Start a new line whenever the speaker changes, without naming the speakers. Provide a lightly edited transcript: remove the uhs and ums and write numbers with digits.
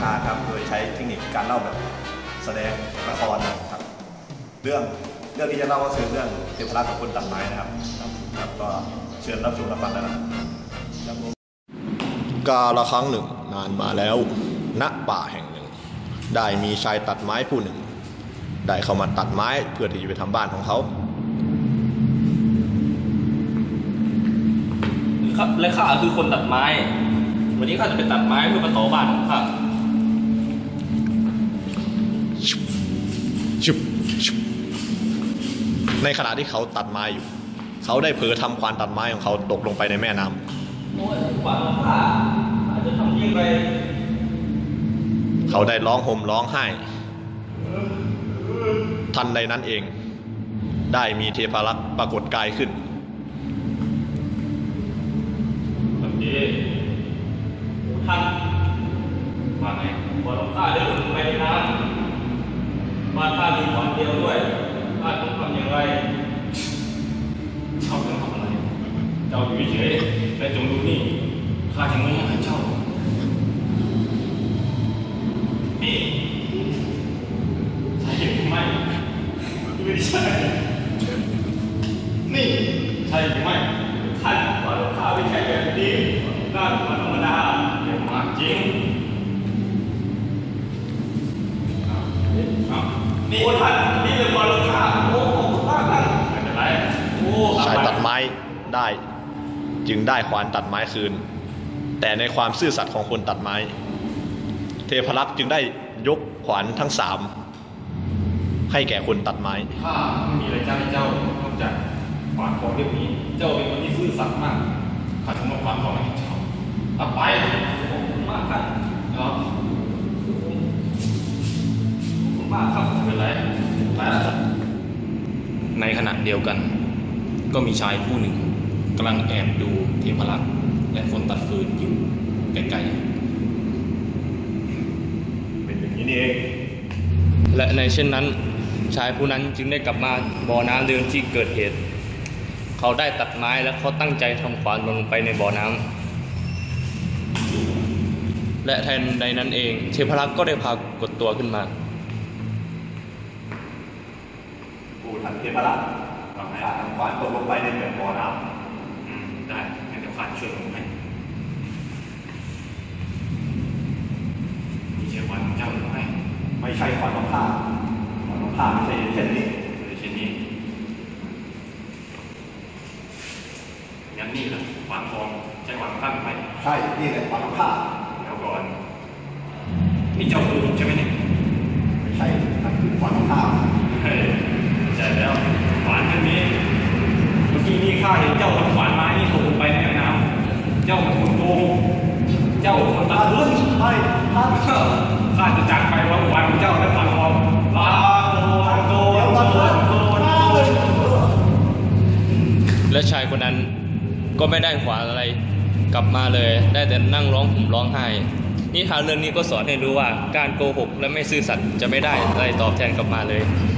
ฮาครับโดยใช้เทคนิคการเล่าแบบแสดงละครครับเรื่องที่จะเล่าก็คือเรื่องเทพรัตน์กับคนตัดไม้นะครับก็เชิญรับชมรับฟังได้นะครับกาลครั้งหนึ่งนานมาแล้วณป่าแห่งหนึ่งได้มีชายตัดไม้ผู้หนึ่งได้เข้ามาตัดไม้เพื่อที่จะไปทำบ้านของเขา
ครับและข้าคือคนตัดไม้วันนี้ข้าจะไปตัดไม้เพื่อมาต่อบ้านของข้า
ในขณะที่เขาตัดไม้อยู่เขาได้เผลอทำควานตัดไม้ของเขาตกลงไปในแม่น้ำ
โอ้ยควานของข้าอาจจะทำยิ่งไป
เขาได้ร้องห่มร้องไห้ทันใดนั้นเองได้มีเทพรักษ์ปรากฏกายขึ้น
แบบนี้ท่านว่าไงว่าข้าเดินไปในน้ำบ้านข้ามีขวานเดียวด้วยข้าต้องทำอย่างไรเจ้าต้องทำอะไรเจ้าอยู่เฉยและจงดูนี่ข้าจะไม่ให้เจ้านี่ใช่หรือไม่ไม่ใช่นี่ใช่หรือไม่ท่านว่าข้าไม่ใช่แบบนี้น่าธรรมดาเดี๋ยวมาจริงนี่ท่านนี่เป็นบอลลูนข้าโอ้โหท่านไม่เป็นไร
ชายตัดไม้ได้จึงได้ขวานตัดไม้คืนแต่ในความซื่อสัตย์ของคนตัดไม้เทพรักษ์จึงได้ยกขวานทั้ง3ให้แก่คนตัดไม้
ข้าไม่มีอะไรจะให้เจ้านอกจากขวานของเรื่องนี้เจ้าเป็นคนที่ซื่อสัตย์มากข้าจะมอบขวานของให้เจ้าเอาไปขอบคุณมากครับครับมากครับไม่เป็นไรในขณะเดียวกันก็มีชายผู้หนึ่งกำลังแอบดูเทพรักษ์และคนตัดฟืนอยู่ไกล
ๆเป็นอย่างนี้นี่เอง
และในเช่นนั้นชายผู้นั้นจึงได้กลับมาบ่อน้ำเดิมที่เกิดเหตุเขาได้ตัดไม้และเขาตั้งใจทำขวานลงไปในบ่อน้ำและแทนใดนั้นเองเทพรักษ์ก็ได้พากดตัวขึ้นมา
ท่านเทพรัตน์ทำขวานตกลงไปในบ่อน้
ำได้งั้นเดี๋ยวข้าช่วยลงให้มีใช่ขวานของเจ้าหรือไม่
ไม่ใช่ขวานของข้าขวานของข้าไม่ใช่เช่นนี้
งั้นนี่แหละขวานทองใช่ขวานของข้าไหม
ใช่นี่แหละขวานของข้า
แล้วก่อนนี่เจ้าคือใช่ไหมเนี่ย
ไม่ใช่นั่นคือขวานของข้า
ใช่แล้วขวานเช่นนี้เมื่อกี้นี่ข้าเห็นเจ้าทำขวานไม้นี่ตกลงไปในแม่น้ำเจ้าเป็นคนโกงเจ้าคนตัดพื้น
ไม่
ข้าจะจากไปว่าขวานของเจ้าและขวานทองลาโกและชายคนนั้นก็ไม่ได้ขวานอะไรกลับมาเลยได้แต่นั่งร้องห่มร้องไห้นิทานเรื่องนี้ก็สอนให้รู้ว่าการโกหกและไม่ซื่อสัตย์จะไม่ได้อะไรตอบแทนกลับมาเลย